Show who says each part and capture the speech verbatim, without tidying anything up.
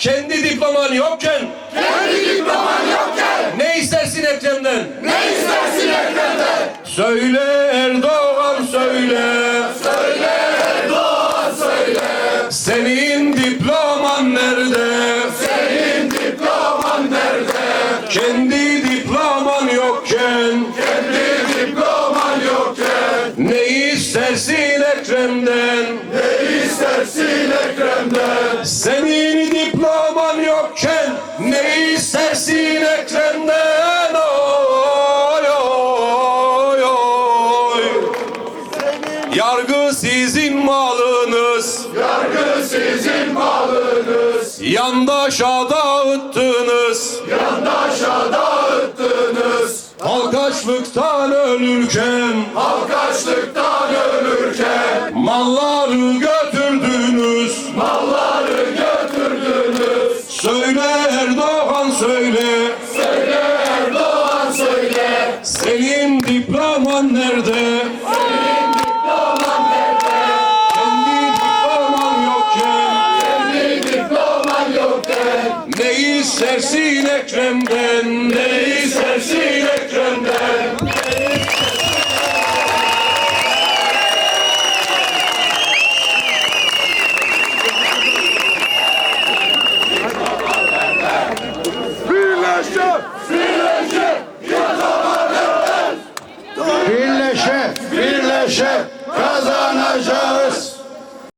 Speaker 1: Kendi diploman yokken,
Speaker 2: kendi diploman yokken,
Speaker 1: ne istersin Ekrem'den?
Speaker 2: ne istersin Ekrem'den?
Speaker 1: Söyle Erdoğan söyle,
Speaker 2: Söyle Erdoğan söyle,
Speaker 1: senin diploman nerede?
Speaker 2: senin diploman nerede?
Speaker 1: Kendi diploman yokken,
Speaker 2: Kendi diploman yokken,
Speaker 1: ne istersin Ekrem'den?
Speaker 2: ne istersin Ekrem'den?
Speaker 1: Senin diploman yokken, ne istersin Ekrem'den? Oy oy oy. Yargı sizin malınız,
Speaker 2: Yargı sizin malınız,
Speaker 1: yandaşa dağıttınız.
Speaker 2: yandaşa dağıttınız.
Speaker 1: Halk açlıktan ölürken,
Speaker 2: Halk açlıktan ölürken,
Speaker 1: malları götürdünüz.